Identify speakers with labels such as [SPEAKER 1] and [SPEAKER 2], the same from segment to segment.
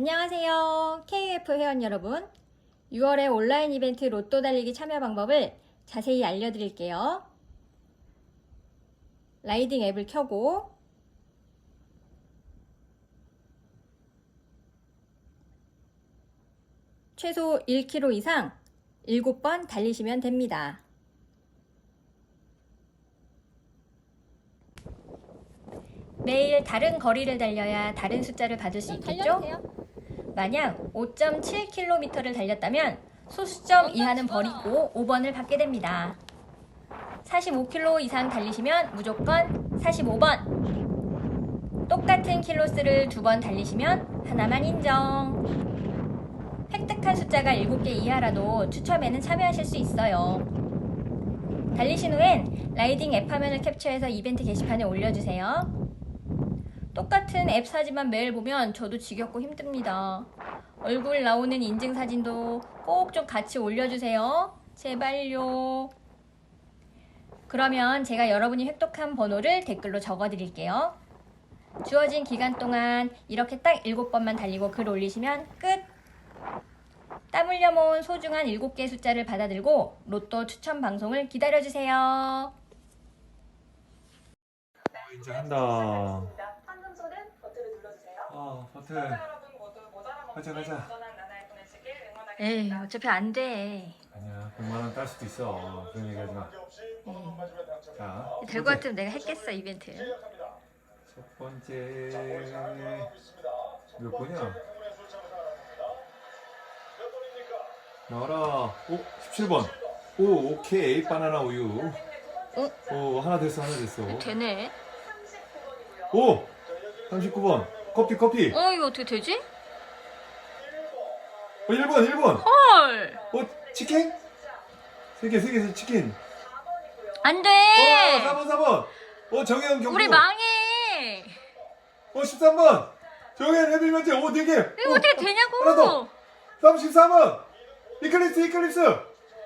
[SPEAKER 1] 안녕하세요. KF 회원 여러분. 6월에 온라인 이벤트 로또 달리기 참여 방법을 자세히 알려드릴게요. 라이딩 앱을 켜고 최소 1km 이상 7번 달리시면 됩니다. 매일 다른 거리를 달려야 다른 숫자를 받을 수 있겠죠? 만약 5.7km를 달렸다면 소수점 이하는 버리고 5번을 받게 됩니다. 45km 이상 달리시면 무조건 45번. 똑같은 킬로수를 2번 달리시면 하나만 인정. 획득한 숫자가 7개 이하라도 추첨에는 참여하실 수 있어요. 달리신 후엔 라이딩 앱 화면을 캡처해서 이벤트 게시판에 올려주세요. 똑같은 앱 사진만 매일 보면 저도 지겹고 힘듭니다. 얼굴 나오는 인증사진도 꼭 좀 같이 올려주세요. 제발요. 그러면 제가 여러분이 획득한 번호를 댓글로 적어드릴게요. 주어진 기간 동안 이렇게 딱 7번만 달리고 글 올리시면 끝! 땀 흘려 모은 소중한 7개의 숫자를 받아들고 로또 추첨 방송을 기다려주세요.
[SPEAKER 2] 이제 한다.
[SPEAKER 3] 황금손은 버튼을 눌러주세요.
[SPEAKER 2] 버튼.
[SPEAKER 3] 여러분 모두 모자란
[SPEAKER 2] 가자,
[SPEAKER 3] 없이
[SPEAKER 2] 가자.
[SPEAKER 3] 안전한 나날을 보내시길 응원하겠습니다.
[SPEAKER 1] 에이, 어차피 안 돼.
[SPEAKER 2] 아니야, 100만원 딸 수도 있어. 그런 얘기 하지 마. 자,
[SPEAKER 1] 될 것 같으면 내가 했겠어, 이벤트.
[SPEAKER 2] 첫 번째. 몇 번이야? 나와라. 17번. 오케이. 바나나 우유. 하나 됐어.
[SPEAKER 1] 되네.
[SPEAKER 2] 39번. 커피.
[SPEAKER 1] 이거 어떻게 되지?
[SPEAKER 2] 1번.
[SPEAKER 1] 헐!
[SPEAKER 2] 치킨? 3개, 치킨.
[SPEAKER 1] 안 돼!
[SPEAKER 2] 4번. 정혜영 경고.
[SPEAKER 1] 우리 망해!
[SPEAKER 2] 13번. 정혜영 해빌면제. 4개.
[SPEAKER 1] 이거 어떻게 되냐고!
[SPEAKER 2] 하나 더. 34번. 이클립스.
[SPEAKER 1] 헐!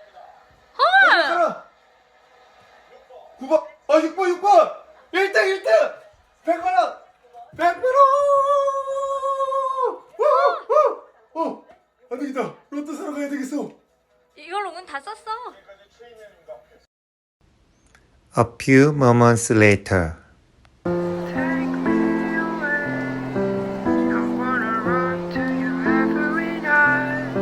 [SPEAKER 2] 9번. 6번. 1등. 100만원. 안 되겠다. 로또 사러 가야 되겠어.
[SPEAKER 1] 이걸로 운 다 썼어.
[SPEAKER 4] A few moments later.